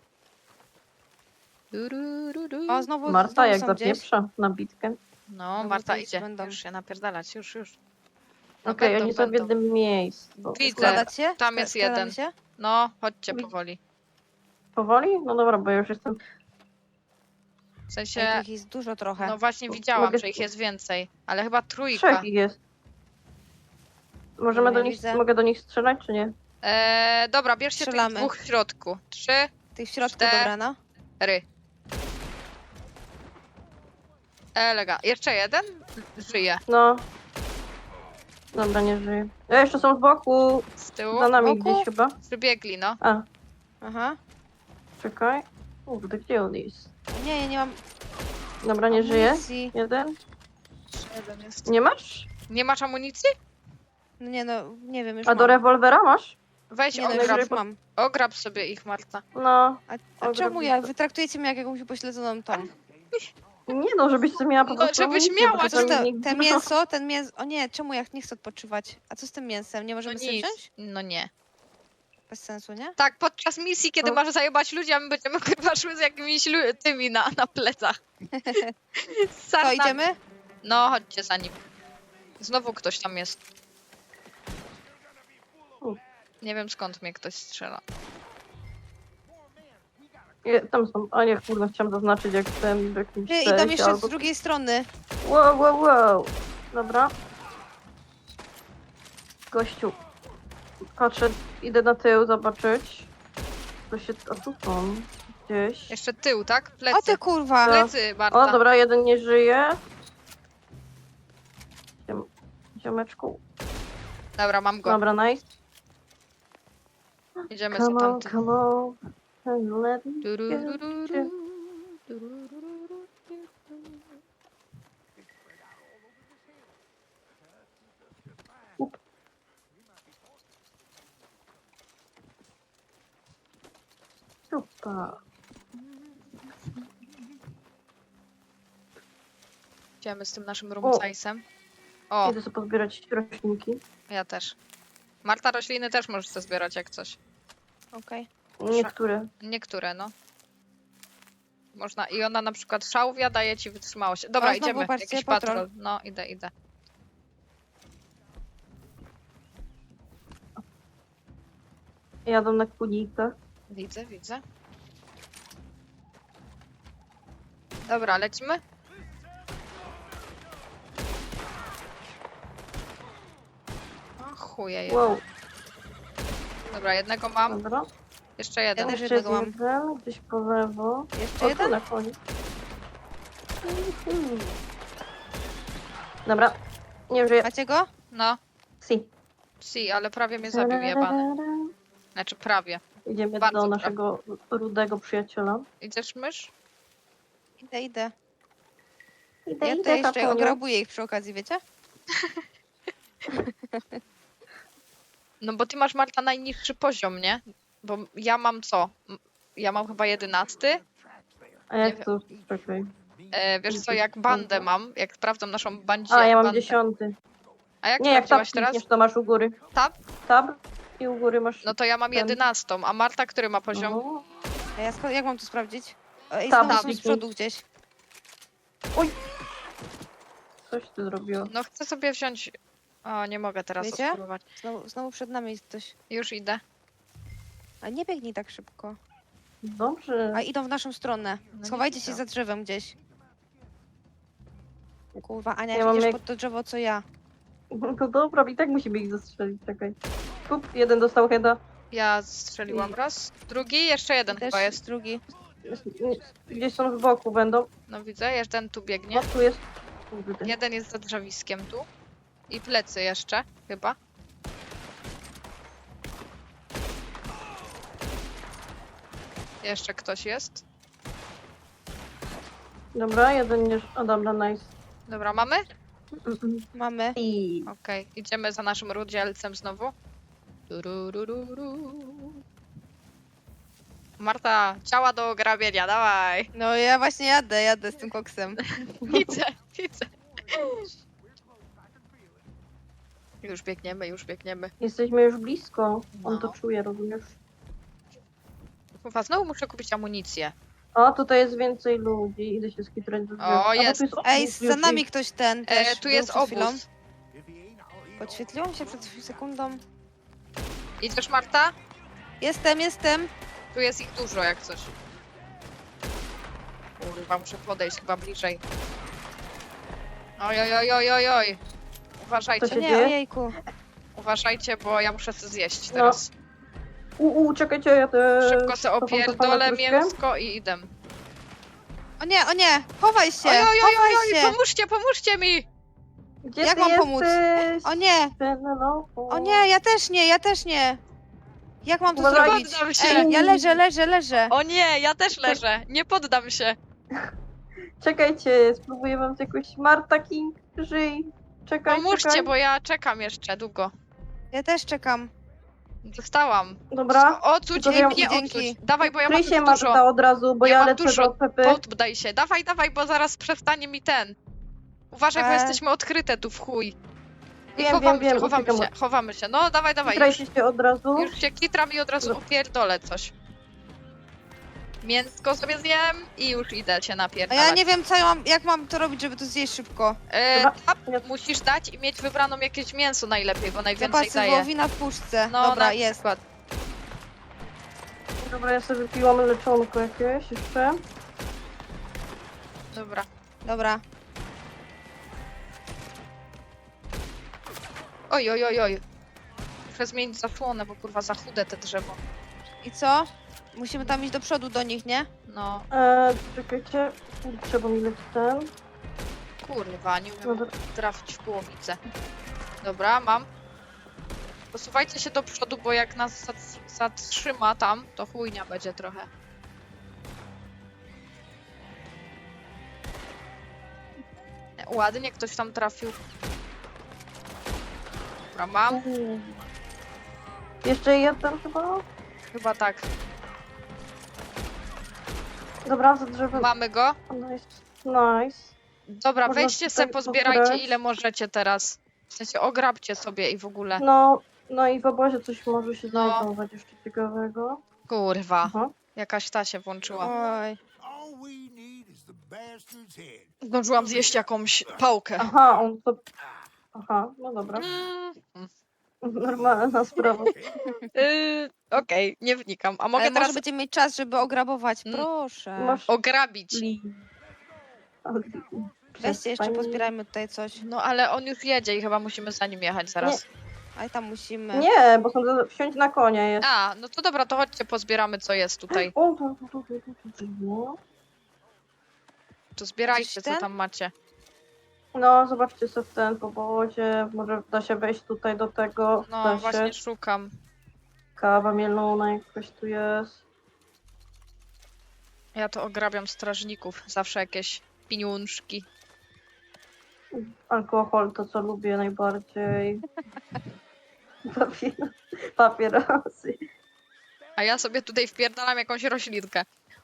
[SPEAKER 1] Du, du, du, du.
[SPEAKER 3] O, znowu,
[SPEAKER 2] Marta
[SPEAKER 3] znowu
[SPEAKER 2] jak
[SPEAKER 3] są gdzieś.
[SPEAKER 2] zapieprza na bitkę.
[SPEAKER 1] No,
[SPEAKER 3] No,
[SPEAKER 1] Marta
[SPEAKER 3] to już
[SPEAKER 1] idzie.
[SPEAKER 3] będą.
[SPEAKER 1] Już się napierdalać, już. No,
[SPEAKER 2] Okej,
[SPEAKER 1] będą,
[SPEAKER 2] oni są w
[SPEAKER 1] będą.
[SPEAKER 2] jednym miejscu.
[SPEAKER 1] Widzę.
[SPEAKER 3] Składać się?
[SPEAKER 1] Tam jest
[SPEAKER 3] Składamy
[SPEAKER 1] jeden.
[SPEAKER 3] się?
[SPEAKER 1] No, chodźcie
[SPEAKER 2] Wi-
[SPEAKER 1] powoli.
[SPEAKER 2] Powoli? No dobra, bo ja już jestem...
[SPEAKER 1] W
[SPEAKER 3] Ej,
[SPEAKER 1] sensie,
[SPEAKER 3] tu ich jest dużo trochę.
[SPEAKER 1] no właśnie widziałam,
[SPEAKER 2] Mogę-
[SPEAKER 1] że ich jest więcej. Ale chyba trójka.
[SPEAKER 2] 3 ich jest. Możemy
[SPEAKER 3] Nie
[SPEAKER 2] do nich,
[SPEAKER 3] widzę.
[SPEAKER 2] mogę do nich strzelać, czy nie?
[SPEAKER 1] Dobra, bierzcie tych
[SPEAKER 3] Strzelamy.
[SPEAKER 1] 2 w środku. 3,
[SPEAKER 3] Tych w środku,
[SPEAKER 1] 4.
[SPEAKER 3] dobra, no.
[SPEAKER 1] Elega. Jeszcze jeden? Żyje.
[SPEAKER 2] No. Dobra, nie żyje. Jeszcze są z boku.
[SPEAKER 1] Z tyłu.
[SPEAKER 2] Za nami
[SPEAKER 3] boku?
[SPEAKER 2] gdzieś chyba.
[SPEAKER 1] Przybiegli, no.
[SPEAKER 2] A,
[SPEAKER 3] Aha.
[SPEAKER 2] czekaj. Kurde, gdzie on jest?
[SPEAKER 3] Nie, ja nie mam
[SPEAKER 2] Dobra, nie żyje.
[SPEAKER 3] amunicji.
[SPEAKER 2] Jeden.
[SPEAKER 1] Jeden jest.
[SPEAKER 2] Nie masz?
[SPEAKER 1] Nie masz amunicji?
[SPEAKER 3] No nie, no, nie wiem, już
[SPEAKER 2] A
[SPEAKER 3] mam.
[SPEAKER 2] do rewolwera masz?
[SPEAKER 1] Weź
[SPEAKER 3] Nie, no,
[SPEAKER 1] ograb.
[SPEAKER 3] już mam.
[SPEAKER 1] Ograb sobie ich, Marta.
[SPEAKER 2] No.
[SPEAKER 3] A
[SPEAKER 2] Ograb
[SPEAKER 3] czemu
[SPEAKER 2] jest
[SPEAKER 3] ja?
[SPEAKER 2] to-
[SPEAKER 3] Wy traktujecie mnie jak jakąś upośledzoną tą.
[SPEAKER 2] Nie no, żebyś sobie miała po
[SPEAKER 1] No,
[SPEAKER 2] prostu
[SPEAKER 1] żebyś
[SPEAKER 2] amunicję,
[SPEAKER 1] miała,
[SPEAKER 2] bo
[SPEAKER 3] A co
[SPEAKER 2] czasami
[SPEAKER 3] to,
[SPEAKER 2] nikt-
[SPEAKER 3] te mięso, ten mięso... O nie, czemu ja nie chcę odpoczywać? A co z tym mięsem? Nie
[SPEAKER 1] No
[SPEAKER 3] możemy sobie
[SPEAKER 1] nic.
[SPEAKER 3] wziąć?
[SPEAKER 1] No nie.
[SPEAKER 3] Bez sensu, nie?
[SPEAKER 1] Tak, podczas misji, kiedy
[SPEAKER 2] No.
[SPEAKER 1] masz zajebać ludzi, a my będziemy kurwa szły z jakimiś tymi na plecach.
[SPEAKER 3] To
[SPEAKER 1] Sarna-
[SPEAKER 3] idziemy?
[SPEAKER 1] No, chodźcie za nim. Znowu ktoś tam jest. Nie wiem skąd mnie ktoś strzela.
[SPEAKER 2] Tam są. A nie, kurde, chciałam zaznaczyć jak ten w jakimś
[SPEAKER 3] Ty, idą
[SPEAKER 2] sensie,
[SPEAKER 3] jeszcze
[SPEAKER 2] albo...
[SPEAKER 3] z drugiej strony.
[SPEAKER 2] Wow. Dobra. Gościu. Patrzę, idę na tył zobaczyć. To się... A tu są. Gdzieś.
[SPEAKER 1] Jeszcze tył, tak?
[SPEAKER 3] O
[SPEAKER 1] Plecy.
[SPEAKER 3] ty kurwa!
[SPEAKER 1] Plecy, Marta.
[SPEAKER 2] O, dobra, jeden nie żyje. Ziomeczku.
[SPEAKER 1] Dobra, mam go.
[SPEAKER 2] Dobra, nice.
[SPEAKER 1] Idziemy za
[SPEAKER 2] Come on,
[SPEAKER 1] tamtym.
[SPEAKER 2] come on. And let me
[SPEAKER 1] Durururu,
[SPEAKER 2] get you.
[SPEAKER 1] durururu.
[SPEAKER 2] Super.
[SPEAKER 1] Idziemy z tym naszym rumcajsem. O,
[SPEAKER 2] Idę sobie pozbierać roślinki.
[SPEAKER 1] ja też. Marta, rośliny też możesz sobie zbierać jak coś.
[SPEAKER 3] Okej.
[SPEAKER 2] Niektóre.
[SPEAKER 1] Niektóre, no. Można. I ona na przykład szałwia daje ci wytrzymałość. Dobra,
[SPEAKER 3] O, znowu
[SPEAKER 1] idziemy.
[SPEAKER 3] patrzcie,
[SPEAKER 1] Jakiś
[SPEAKER 3] patrol.
[SPEAKER 1] patrol. No, idę.
[SPEAKER 2] Jadą na kunikach.
[SPEAKER 1] Widzę. Dobra, lecimy? O chuje je.
[SPEAKER 2] Wow,
[SPEAKER 1] Dobra, jednego mam.
[SPEAKER 2] dobra.
[SPEAKER 1] Jeszcze
[SPEAKER 3] Ja
[SPEAKER 1] jeden.
[SPEAKER 3] też
[SPEAKER 2] Jeszcze jest
[SPEAKER 3] jednego mam.
[SPEAKER 2] jeden, gdzieś po lewo.
[SPEAKER 3] Jeszcze
[SPEAKER 2] O, tu
[SPEAKER 3] jeden?
[SPEAKER 2] na koniec. Dobra. Nie żyję.
[SPEAKER 3] Macie go?
[SPEAKER 1] No,
[SPEAKER 2] Si.
[SPEAKER 1] si, ale prawie mnie zabił jebany. Znaczy prawie.
[SPEAKER 2] Idziemy
[SPEAKER 1] Bardzo
[SPEAKER 2] do
[SPEAKER 1] prawie.
[SPEAKER 2] naszego rudego przyjaciela.
[SPEAKER 1] Idziesz mysz?
[SPEAKER 3] Idę, idę.
[SPEAKER 2] Idę,
[SPEAKER 3] Ja to
[SPEAKER 2] idę,
[SPEAKER 3] jeszcze
[SPEAKER 2] Kapuniu.
[SPEAKER 3] ograbuję ich przy okazji, wiecie?
[SPEAKER 1] No bo ty masz, Marta, najniższy poziom, nie? Bo ja mam co? Ja mam chyba 11.
[SPEAKER 2] A
[SPEAKER 1] nie
[SPEAKER 2] jak
[SPEAKER 1] wiem.
[SPEAKER 2] to? Czekaj.
[SPEAKER 1] Wiesz co, jak bandę mam, jak sprawdzam naszą bandzie...
[SPEAKER 2] A, ja mam
[SPEAKER 1] bandę.
[SPEAKER 2] 10.
[SPEAKER 1] A jak
[SPEAKER 2] Nie, jak tab
[SPEAKER 1] sprawdziłaś teraz?
[SPEAKER 2] klikniesz, to masz u góry.
[SPEAKER 1] Tab?
[SPEAKER 2] Tab i u góry masz...
[SPEAKER 1] No to ja mam
[SPEAKER 2] ten.
[SPEAKER 1] 11, a Marta, który ma poziom?
[SPEAKER 2] O,
[SPEAKER 3] A ja jak mam to sprawdzić? Ej,
[SPEAKER 2] Tam,
[SPEAKER 3] znowu są z
[SPEAKER 2] kliknij.
[SPEAKER 3] przodu gdzieś.
[SPEAKER 2] coś ty zrobiło.
[SPEAKER 1] No chcę sobie wziąć... O, nie mogę teraz
[SPEAKER 3] Wiecie?
[SPEAKER 1] spróbować.
[SPEAKER 3] Znowu przed nami jest ktoś.
[SPEAKER 1] Już idę.
[SPEAKER 3] A nie biegnij tak szybko.
[SPEAKER 2] Dobrze.
[SPEAKER 3] A idą w naszą stronę.
[SPEAKER 1] No nie
[SPEAKER 3] Schowajcie się
[SPEAKER 1] widzę.
[SPEAKER 3] za drzewem gdzieś. Kurwa, Ania,
[SPEAKER 2] Ja
[SPEAKER 3] jak
[SPEAKER 2] mam
[SPEAKER 3] idziesz
[SPEAKER 2] jak-
[SPEAKER 3] pod to drzewo, co ja.
[SPEAKER 2] No dobra, i tak musimy ich zastrzelić, czekaj. Kup, jeden dostał heada.
[SPEAKER 1] Ja strzeliłam raz. Drugi, jeszcze jeden
[SPEAKER 3] Też
[SPEAKER 1] chyba jest.
[SPEAKER 3] drugi.
[SPEAKER 2] Gdzieś są z boku będą.
[SPEAKER 1] No widzę, jeden tu biegnie.
[SPEAKER 2] O, tu jest. Kurde.
[SPEAKER 1] Jeden jest za drzewiskiem tu. I plecy jeszcze, chyba. Jeszcze ktoś jest.
[SPEAKER 2] Dobra, jeden nie... O, dobra, nice.
[SPEAKER 1] Dobra, mamy?
[SPEAKER 3] Mamy.
[SPEAKER 2] I...
[SPEAKER 1] Okej, idziemy za naszym rudzielcem znowu. Tururururu. Marta, ciała do ograbienia, dawaj.
[SPEAKER 3] No ja właśnie jadę z tym koksem.
[SPEAKER 1] Widzę, widzę. Już biegniemy, już biegniemy.
[SPEAKER 2] Jesteśmy już blisko. On
[SPEAKER 1] No.
[SPEAKER 2] to czuje, rozumiesz?
[SPEAKER 1] Chyba znowu muszę kupić amunicję.
[SPEAKER 2] O, tutaj jest więcej ludzi. Idę się skitrać do drzewa.
[SPEAKER 1] O,
[SPEAKER 2] A, bo
[SPEAKER 1] jest.
[SPEAKER 2] tu jest
[SPEAKER 3] Ej,
[SPEAKER 2] obóz
[SPEAKER 3] za
[SPEAKER 2] już
[SPEAKER 3] nami
[SPEAKER 2] i-
[SPEAKER 3] ktoś ten też.
[SPEAKER 1] Tu
[SPEAKER 3] był
[SPEAKER 1] jest
[SPEAKER 3] przed chwilą.
[SPEAKER 1] obóz.
[SPEAKER 3] Podświetliło mi się przed sekundą.
[SPEAKER 1] Idziesz, Marta?
[SPEAKER 3] Jestem.
[SPEAKER 1] Tu jest ich dużo, jak coś. Kurwa, muszę podejść chyba bliżej. Oj, oj, oj, oj, oj, oj.
[SPEAKER 2] Co
[SPEAKER 1] Uważajcie,
[SPEAKER 2] się
[SPEAKER 3] Nie,
[SPEAKER 2] dzieje?
[SPEAKER 3] ojejku.
[SPEAKER 1] uważajcie, bo ja muszę to zjeść
[SPEAKER 2] No.
[SPEAKER 1] teraz.
[SPEAKER 2] Czekajcie, ja też...
[SPEAKER 1] Szybko se
[SPEAKER 2] cofam
[SPEAKER 1] opierdolę
[SPEAKER 2] troszkę.
[SPEAKER 1] mięsko i idę.
[SPEAKER 3] O nie, chowaj się,
[SPEAKER 1] Oj, oj, oj,
[SPEAKER 3] chowaj
[SPEAKER 1] oj, oj,
[SPEAKER 3] się.
[SPEAKER 1] pomóżcie mi!
[SPEAKER 2] Gdzie
[SPEAKER 3] Jak
[SPEAKER 2] ty
[SPEAKER 3] mam pomóc?
[SPEAKER 2] jesteś?
[SPEAKER 3] O nie,
[SPEAKER 2] Penelopo?
[SPEAKER 3] o nie, ja też nie. Jak mam to
[SPEAKER 2] Uważaj.
[SPEAKER 3] zrobić?
[SPEAKER 1] Poddam się.
[SPEAKER 3] Ej, ja leżę.
[SPEAKER 1] O nie, ja też leżę. Nie poddam się.
[SPEAKER 2] Czekajcie, spróbuję wam jakoś... Marta King, żyj. Czekaj,
[SPEAKER 1] Pomóżcie,
[SPEAKER 2] czekaj.
[SPEAKER 1] bo ja czekam jeszcze długo.
[SPEAKER 3] Ja też czekam.
[SPEAKER 1] Dostałam.
[SPEAKER 2] Dobra.
[SPEAKER 1] Odsuć,
[SPEAKER 2] Tylko
[SPEAKER 1] ej,
[SPEAKER 2] ja-
[SPEAKER 1] mnie
[SPEAKER 3] dzięki.
[SPEAKER 1] odsuć. Dawaj, bo ja mam
[SPEAKER 2] Kryj
[SPEAKER 1] już
[SPEAKER 2] się
[SPEAKER 1] dużo.
[SPEAKER 2] Marta od razu, bo
[SPEAKER 1] Ja
[SPEAKER 2] ja
[SPEAKER 1] mam
[SPEAKER 2] lecę
[SPEAKER 1] dużo.
[SPEAKER 2] do PP.
[SPEAKER 1] Poddaj się. Dawaj, dawaj, bo zaraz przestanie mi ten. Uważaj, bo
[SPEAKER 3] E.
[SPEAKER 1] jesteśmy odkryte tu w chuj. I
[SPEAKER 2] Wiem,
[SPEAKER 1] chowamy
[SPEAKER 2] wiem,
[SPEAKER 1] się,
[SPEAKER 2] wiem,
[SPEAKER 1] chowamy
[SPEAKER 2] uciekam
[SPEAKER 1] się, chowamy się. No, dawaj, dawaj.
[SPEAKER 2] Kitrajcie się od razu.
[SPEAKER 1] Już się kitram i od razu opierdolę coś. Mięsko sobie zjem i już idę się
[SPEAKER 3] A
[SPEAKER 1] napierdalać.
[SPEAKER 3] ja nie wiem, jak mam to robić, żeby to zjeść szybko.
[SPEAKER 2] Dobra.
[SPEAKER 1] Tap
[SPEAKER 2] Ja-
[SPEAKER 1] musisz dać i mieć wybraną jakieś mięso najlepiej, bo najwięcej
[SPEAKER 3] Zapasy
[SPEAKER 1] daje.
[SPEAKER 3] wołowina w puszce.
[SPEAKER 1] No,
[SPEAKER 3] Dobra,
[SPEAKER 1] na
[SPEAKER 3] jest.
[SPEAKER 1] przykład.
[SPEAKER 2] Dobra, ja sobie wypiłam leczonko jakieś jeszcze.
[SPEAKER 1] Dobra.
[SPEAKER 3] Dobra.
[SPEAKER 1] Oj, oj, oj, oj. Muszę zmienić zasłonę, bo kurwa za chude te drzewo.
[SPEAKER 3] I co? Musimy tam iść do przodu do nich, nie?
[SPEAKER 1] No,
[SPEAKER 2] Czekajcie. Trzeba mi lecieć ten.
[SPEAKER 1] kurwa, nie umiem
[SPEAKER 2] Dobra.
[SPEAKER 1] trafić w głowicę. Dobra, mam. Posuwajcie się do przodu, bo jak nas zatrzyma tam, to chujnia będzie trochę. Ładnie ktoś tam trafił. Dobra, mam.
[SPEAKER 2] Jeszcze jeden chyba?
[SPEAKER 1] Chyba tak.
[SPEAKER 2] Dobra, za drzewem.
[SPEAKER 1] Mamy go.
[SPEAKER 2] Nice. Nice.
[SPEAKER 1] Dobra,
[SPEAKER 2] Można
[SPEAKER 1] weźcie
[SPEAKER 2] tutaj
[SPEAKER 1] se, pozbierajcie
[SPEAKER 2] pobrać.
[SPEAKER 1] ile możecie teraz. W sensie ograbcie sobie i w ogóle.
[SPEAKER 2] No i w obozie coś może się
[SPEAKER 1] No.
[SPEAKER 2] znajdować jeszcze ciekawego.
[SPEAKER 1] Kurwa,
[SPEAKER 2] Aha.
[SPEAKER 1] jakaś ta się włączyła.
[SPEAKER 3] Oj.
[SPEAKER 6] All we need is the bastard's head.
[SPEAKER 1] Zdążyłam zjeść jakąś pałkę.
[SPEAKER 2] Aha, on to... Aha, no dobra.
[SPEAKER 1] Mm,
[SPEAKER 2] Normalna sprawa.
[SPEAKER 1] Okej, nie wnikam. A mogę
[SPEAKER 3] Ale
[SPEAKER 1] teraz
[SPEAKER 3] może będziemy mieć czas, żeby ograbować.
[SPEAKER 1] Mm.
[SPEAKER 3] Proszę.
[SPEAKER 2] Masz...
[SPEAKER 1] ograbić.
[SPEAKER 3] Weźcie jeszcze, pozbierajmy tutaj coś.
[SPEAKER 1] No ale on już jedzie i chyba musimy za nim jechać zaraz.
[SPEAKER 3] A tam musimy.
[SPEAKER 2] Nie, bo są wsiąść na konia jest.
[SPEAKER 1] A, no to dobra, to chodźcie, pozbieramy co jest tutaj.
[SPEAKER 2] O, tu.
[SPEAKER 1] To zbierajcie,
[SPEAKER 3] Gdzieś
[SPEAKER 1] co
[SPEAKER 3] ten?
[SPEAKER 1] tam macie.
[SPEAKER 2] No, zobaczcie sobie w ten po wodzie. Może da się wejść tutaj do tego.
[SPEAKER 1] No,
[SPEAKER 2] Da
[SPEAKER 1] właśnie
[SPEAKER 2] się.
[SPEAKER 1] szukam.
[SPEAKER 2] Kawa mielona jakaś tu jest.
[SPEAKER 1] Ja to ograbiam strażników. Zawsze jakieś pieniążki.
[SPEAKER 2] Alkohol to co lubię najbardziej. Papierosy.
[SPEAKER 1] A ja sobie tutaj wpierdalam jakąś roślinkę.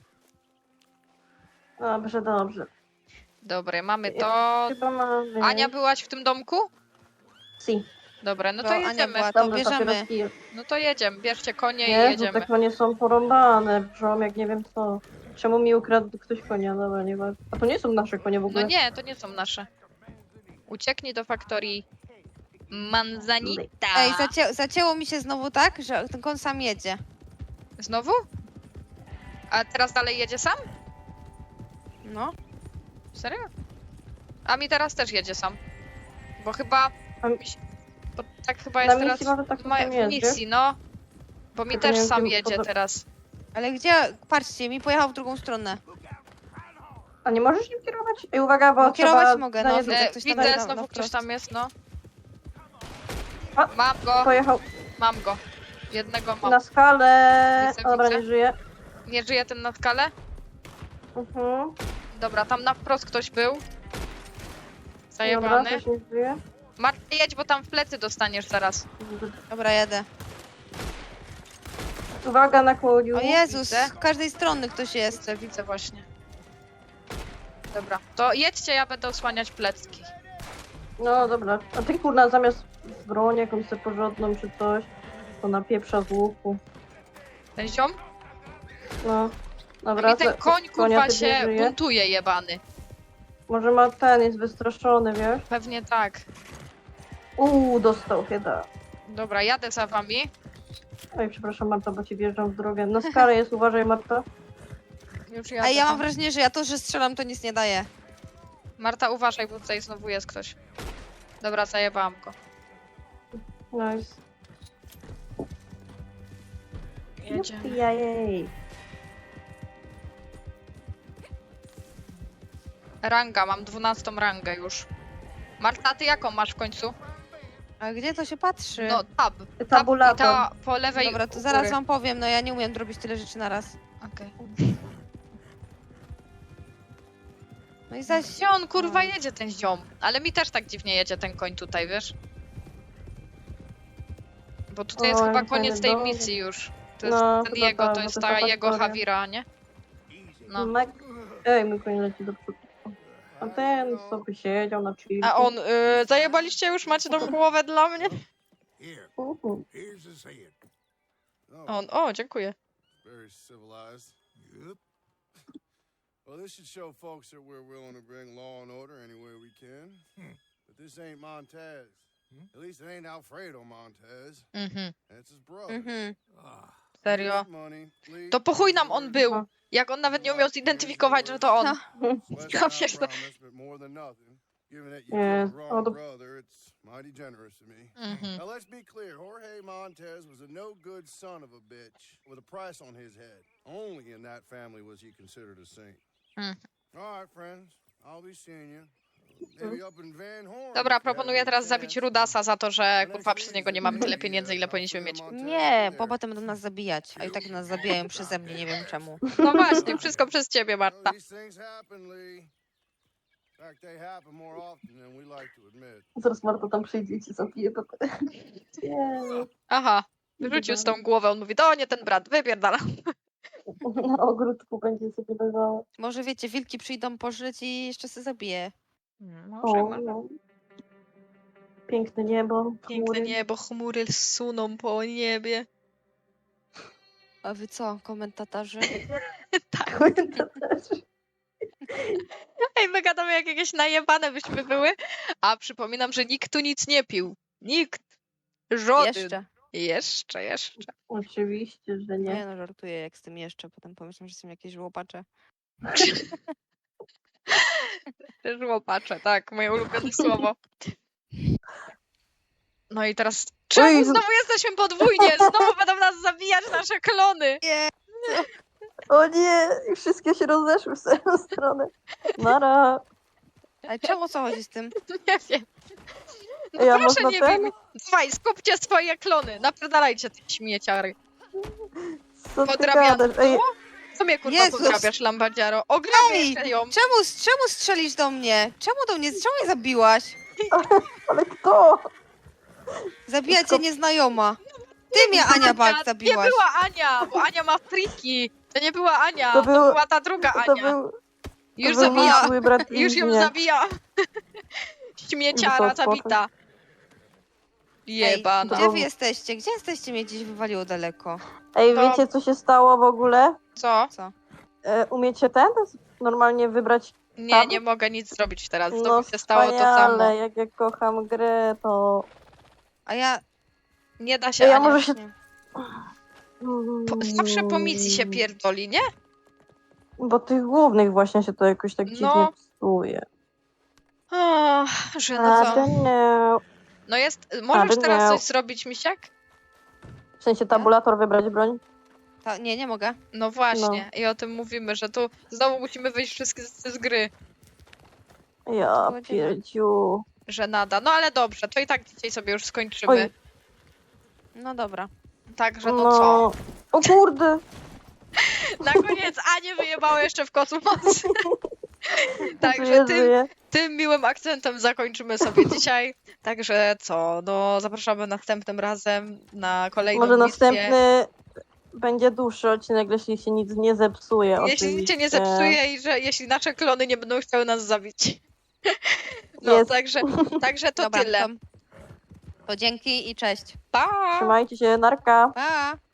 [SPEAKER 2] Dobrze, dobrze.
[SPEAKER 1] Dobre, mamy to.
[SPEAKER 2] Chyba mamy.
[SPEAKER 1] Ania, byłaś w tym domku?
[SPEAKER 2] Si.
[SPEAKER 1] Dobra, no to
[SPEAKER 3] Bo Ania
[SPEAKER 1] jedziemy.
[SPEAKER 3] była, to
[SPEAKER 2] Dobrze,
[SPEAKER 3] bierzemy.
[SPEAKER 2] papieroski jest.
[SPEAKER 1] No to jedziemy. Bierzcie konie i
[SPEAKER 2] Jezu,
[SPEAKER 1] jedziemy.
[SPEAKER 2] te konie są porąbane. Brzą jak nie wiem co. Czemu mi ukradł ktoś konia? Dobra, nie ważne. A to nie są nasze konie w ogóle.
[SPEAKER 1] No nie, to nie są nasze. Ucieknij do faktorii Manzanita.
[SPEAKER 3] Ej, zacięło mi się znowu tak, że ten koń sam jedzie.
[SPEAKER 1] Znowu? A teraz dalej jedzie sam?
[SPEAKER 3] No.
[SPEAKER 1] Serio? A mi teraz też jedzie sam. Bo chyba...
[SPEAKER 2] A mi-
[SPEAKER 1] Bo tak chyba
[SPEAKER 2] Na
[SPEAKER 1] jest
[SPEAKER 2] misji
[SPEAKER 1] teraz
[SPEAKER 2] może tak
[SPEAKER 1] w
[SPEAKER 2] czasem jedzie.
[SPEAKER 1] misji, no. Bo mi
[SPEAKER 2] Tylko nie
[SPEAKER 1] też
[SPEAKER 2] wiem,
[SPEAKER 1] sam
[SPEAKER 2] kim
[SPEAKER 1] jedzie
[SPEAKER 2] poza-
[SPEAKER 1] teraz.
[SPEAKER 3] Ale gdzie? Patrzcie, mi pojechał w drugą stronę.
[SPEAKER 2] A nie możesz nim kierować? Ej, uwaga, bo
[SPEAKER 3] No, kierować
[SPEAKER 2] trzeba
[SPEAKER 3] mogę,
[SPEAKER 2] na
[SPEAKER 3] no,
[SPEAKER 2] nie-
[SPEAKER 3] widzę, ktoś tam
[SPEAKER 1] Widzę,
[SPEAKER 3] jest na
[SPEAKER 1] znowu ktoś
[SPEAKER 3] wprost.
[SPEAKER 1] tam jest, no.
[SPEAKER 2] A,
[SPEAKER 1] Mam go,
[SPEAKER 2] Pojechał
[SPEAKER 1] mam go. Jednego mam.
[SPEAKER 2] na skalę.
[SPEAKER 1] Widzę,
[SPEAKER 2] Dobra,
[SPEAKER 1] widzę.
[SPEAKER 2] nie żyje.
[SPEAKER 1] Nie żyje ten na skale?
[SPEAKER 2] Mhm.
[SPEAKER 1] Dobra, tam na wprost ktoś był.
[SPEAKER 2] Dobra,
[SPEAKER 1] Zajebany.
[SPEAKER 2] też nie żyje.
[SPEAKER 1] Marta, jedź, bo tam w plecy dostaniesz zaraz.
[SPEAKER 3] Dobra, jadę.
[SPEAKER 2] Uwaga na kłoniu.
[SPEAKER 3] O Jezus,
[SPEAKER 1] widzę.
[SPEAKER 3] z każdej strony ktoś jest.
[SPEAKER 1] Widzę właśnie. Dobra, to jedźcie, ja będę osłaniać plecki.
[SPEAKER 2] No dobra. A ty kurna zamiast broń jakąś sobie porządną czy coś, to napieprza z łuku.
[SPEAKER 1] Ten ziom?
[SPEAKER 2] No.
[SPEAKER 1] A
[SPEAKER 2] Dobra,
[SPEAKER 1] mi ten
[SPEAKER 2] to-
[SPEAKER 1] koń
[SPEAKER 2] konia
[SPEAKER 1] kurwa
[SPEAKER 2] ty nie
[SPEAKER 1] się
[SPEAKER 2] żyje?
[SPEAKER 1] buntuje jebany.
[SPEAKER 2] Może ma ten, jest wystraszony, wiesz?
[SPEAKER 1] Pewnie tak.
[SPEAKER 2] Dostał chyba.
[SPEAKER 1] Dobra, jadę za wami.
[SPEAKER 2] Oj, przepraszam Marta, bo ci wjeżdżam w drogę. Na skalę jest, uważaj Marta.
[SPEAKER 1] Już jadę.
[SPEAKER 3] Ej, ja mam
[SPEAKER 1] tam.
[SPEAKER 3] wrażenie, że ja to, że strzelam, to nic nie daje.
[SPEAKER 1] Marta, uważaj, bo tutaj znowu jest ktoś. Dobra, zajebałam go.
[SPEAKER 2] Nice.
[SPEAKER 1] Jedziemy.
[SPEAKER 2] Jej.
[SPEAKER 1] Ranga, mam 12 rangę już. Marta, a ty jaką masz w końcu?
[SPEAKER 3] A gdzie to się patrzy?
[SPEAKER 1] No, tab.
[SPEAKER 2] Tabulator.
[SPEAKER 1] I ta po lewej
[SPEAKER 3] Dobra, to
[SPEAKER 1] u
[SPEAKER 3] zaraz
[SPEAKER 1] góry.
[SPEAKER 3] wam powiem, no ja nie umiem robić tyle rzeczy na raz.
[SPEAKER 1] Okej.
[SPEAKER 3] No i zaś...
[SPEAKER 1] Gdzie on kurwa jedzie, ten ziom? Ale mi też tak dziwnie jedzie ten koń tutaj, wiesz? Bo tutaj jest
[SPEAKER 2] Oj,
[SPEAKER 1] chyba
[SPEAKER 2] fajny
[SPEAKER 1] koniec tej
[SPEAKER 2] dom.
[SPEAKER 1] misji już. To jest
[SPEAKER 2] No,
[SPEAKER 1] ten
[SPEAKER 2] chyba
[SPEAKER 1] jego,
[SPEAKER 2] tak,
[SPEAKER 1] to
[SPEAKER 2] bo
[SPEAKER 1] jest
[SPEAKER 2] to
[SPEAKER 1] ta
[SPEAKER 2] taka
[SPEAKER 1] jego
[SPEAKER 2] historia.
[SPEAKER 1] Hawira, nie? No.
[SPEAKER 2] Ej, mój koń leci do przodu. A ten sobie siedział na chwilę.
[SPEAKER 1] A on, zajebaliście już? Macie tą głowę dla mnie?
[SPEAKER 6] Here, here's his head.
[SPEAKER 4] Oh,
[SPEAKER 1] On, o, dziękuję.
[SPEAKER 4] very civilized.
[SPEAKER 6] Yep.
[SPEAKER 4] Well, this should show folks that we're willing to bring law and order any way we can. But this ain't Montez. At least it ain't Alfredo Montez.
[SPEAKER 1] Mhm,
[SPEAKER 4] It's his brother.
[SPEAKER 3] Mhm.
[SPEAKER 6] Ah,
[SPEAKER 1] serio.
[SPEAKER 4] Money, Lee,
[SPEAKER 1] To po chuj nam on był.
[SPEAKER 2] No.
[SPEAKER 1] Jak on nawet nie umiał zidentyfikować, że to on.
[SPEAKER 3] No.
[SPEAKER 4] less
[SPEAKER 1] Ja
[SPEAKER 4] than I
[SPEAKER 1] pierdolę.
[SPEAKER 4] promised, but more than nothing. Given that you
[SPEAKER 2] Yeah.
[SPEAKER 4] killed the
[SPEAKER 2] Oh,
[SPEAKER 4] wrong
[SPEAKER 2] the-
[SPEAKER 4] brother, it's mighty generous of me.
[SPEAKER 1] Mhm.
[SPEAKER 4] Now let's be clear, Jorge Montez was a no-good son of a bitch with a price on his head. Only in that family was he considered a saint.
[SPEAKER 1] Mhm.
[SPEAKER 4] All right, friends, I'll be seeing you. Maybe up in Van Horn.
[SPEAKER 1] Dobra,
[SPEAKER 4] if you
[SPEAKER 1] proponuję
[SPEAKER 4] have a
[SPEAKER 1] teraz zabić
[SPEAKER 4] chance.
[SPEAKER 1] Rudasa za to, że
[SPEAKER 4] The
[SPEAKER 1] kurwa
[SPEAKER 4] next
[SPEAKER 1] przez niego nie mamy tyle pieniędzy, ile powinniśmy mieć.
[SPEAKER 3] Nie, bo potem będą nas zabijać, a i tak nas zabijają przeze mnie, nie wiem czemu.
[SPEAKER 1] No właśnie, wszystko przez ciebie,
[SPEAKER 4] Well,
[SPEAKER 1] Marta.
[SPEAKER 4] these things happen, Lee. In fact, they happen more often than we like to admit.
[SPEAKER 2] Zaraz Marta tam przyjdzie i ci zabije. Nie.
[SPEAKER 1] Aha, wyrzucił z tą głowę, on mówi, to nie ten brat, wypierdala.
[SPEAKER 2] Na ogródku będzie sobie leżała.
[SPEAKER 3] Może wiecie, wilki przyjdą pożyć i jeszcze się zabije.
[SPEAKER 2] O, no. Piękne niebo,
[SPEAKER 1] Piękne
[SPEAKER 2] chmury.
[SPEAKER 1] niebo, chmury suną po niebie.
[SPEAKER 3] A wy co, komentatorzy?
[SPEAKER 1] Tak.
[SPEAKER 2] To też.
[SPEAKER 1] Ej, my gadamy jak jakieś najebane byśmy były, a przypominam, że nikt tu nic nie pił. Nikt. Żaden.
[SPEAKER 3] Jeszcze.
[SPEAKER 1] Jeszcze.
[SPEAKER 2] Oczywiście, że
[SPEAKER 3] Nie
[SPEAKER 2] nie.
[SPEAKER 3] no, żartuję jak z tym jeszcze, potem pomyślę, że są jakieś łopacze.
[SPEAKER 1] Żłopacze, tak, moje ulubione słowo. No i teraz Czemu
[SPEAKER 2] Oj.
[SPEAKER 1] znowu jesteśmy podwójnie? Znowu będą nas zabijać nasze klony.
[SPEAKER 3] Nie.
[SPEAKER 2] O nie, i wszystkie się rozeszły w swoją stronę. Nara.
[SPEAKER 3] Ale czemu, o co chodzi z tym?
[SPEAKER 1] Nie wiem. No
[SPEAKER 2] Ja
[SPEAKER 1] proszę
[SPEAKER 2] można
[SPEAKER 1] nie
[SPEAKER 2] ten?
[SPEAKER 1] wiem. Dawaj, skupcie swoje klony. Napierdalajcie te śmieciary.
[SPEAKER 2] Co ty
[SPEAKER 1] Podrabiane.
[SPEAKER 2] gadasz? Ej,
[SPEAKER 1] Co mnie kurwa
[SPEAKER 3] Jezus.
[SPEAKER 1] podrabiasz, Lambadziaro? Ograbię
[SPEAKER 3] Ej,
[SPEAKER 1] jeszcze ją.
[SPEAKER 3] czemu strzelisz do mnie? Czemu mnie zabiłaś?
[SPEAKER 2] ale kto?
[SPEAKER 3] Zabija cię nieznajoma. Ty mnie, Ania Bak,
[SPEAKER 1] Nie
[SPEAKER 3] zabiłaś.
[SPEAKER 1] była Ania, bo Ania ma friki. To nie była Ania,
[SPEAKER 2] To
[SPEAKER 1] to,
[SPEAKER 2] był-
[SPEAKER 1] była ta druga
[SPEAKER 2] To
[SPEAKER 1] Ania.
[SPEAKER 2] był,
[SPEAKER 1] Już
[SPEAKER 2] to był mój
[SPEAKER 1] zabija.
[SPEAKER 2] zły brat
[SPEAKER 1] Już ją
[SPEAKER 2] Iznie.
[SPEAKER 1] zabija. Śmieciara
[SPEAKER 2] Wysoko.
[SPEAKER 1] zabita.
[SPEAKER 3] Ej,
[SPEAKER 1] Jebana.
[SPEAKER 3] gdzie wy jesteście? Gdzie jesteście? Mnie gdzieś wywaliło daleko.
[SPEAKER 2] Ej,
[SPEAKER 1] To-
[SPEAKER 2] wiecie co się stało w ogóle?
[SPEAKER 1] Co?
[SPEAKER 3] Co?
[SPEAKER 2] Umiecie ten? Normalnie wybrać?
[SPEAKER 1] Nie,
[SPEAKER 2] Tam?
[SPEAKER 1] nie mogę nic zrobić teraz.
[SPEAKER 2] No
[SPEAKER 1] Znowu się stało to samo.
[SPEAKER 2] wspaniale, jak ja kocham grę, to...
[SPEAKER 3] A ja...
[SPEAKER 1] Nie da się,
[SPEAKER 2] Ja
[SPEAKER 1] Ania.
[SPEAKER 2] może się...
[SPEAKER 3] Nie.
[SPEAKER 1] Zawsze po misji się pierdoli, nie?
[SPEAKER 2] Bo tych głównych właśnie się to jakoś tak dziwnie
[SPEAKER 1] No.
[SPEAKER 2] psuje.
[SPEAKER 1] O, że no co?
[SPEAKER 2] Nie.
[SPEAKER 1] No jest, możesz
[SPEAKER 2] Ale
[SPEAKER 1] teraz
[SPEAKER 2] nie.
[SPEAKER 1] coś zrobić, Misiek?
[SPEAKER 2] W sensie tabulator wybrać broń?
[SPEAKER 3] Nie mogę.
[SPEAKER 1] No właśnie, i o tym mówimy, że tu znowu musimy wyjść wszystkie z gry.
[SPEAKER 2] Ja
[SPEAKER 3] Godzina.
[SPEAKER 2] pierdziu.
[SPEAKER 1] Że nada. No ale dobrze, to i tak dzisiaj sobie już skończymy.
[SPEAKER 2] Oj.
[SPEAKER 3] No dobra.
[SPEAKER 1] Także no co?
[SPEAKER 2] O kurde!
[SPEAKER 1] Na koniec Anię wyjebało jeszcze w kosmos. Także
[SPEAKER 2] Żyję,
[SPEAKER 1] tym,
[SPEAKER 2] żyję.
[SPEAKER 1] tym miłym akcentem zakończymy sobie dzisiaj. Także co? No zapraszamy następnym razem na kolejną
[SPEAKER 2] Może
[SPEAKER 1] misję.
[SPEAKER 2] następny będzie dłuższy odcinek, jeśli się nic nie zepsuje.
[SPEAKER 1] Jeśli nic się nie
[SPEAKER 2] oczywiście.
[SPEAKER 1] zepsuje i że jeśli nasze klony nie będą chciały nas zabić. No,
[SPEAKER 2] Jest.
[SPEAKER 1] także to
[SPEAKER 3] Dobra,
[SPEAKER 1] tyle.
[SPEAKER 3] to dzięki i cześć.
[SPEAKER 1] Pa!
[SPEAKER 2] Trzymajcie się, narka.
[SPEAKER 3] Pa!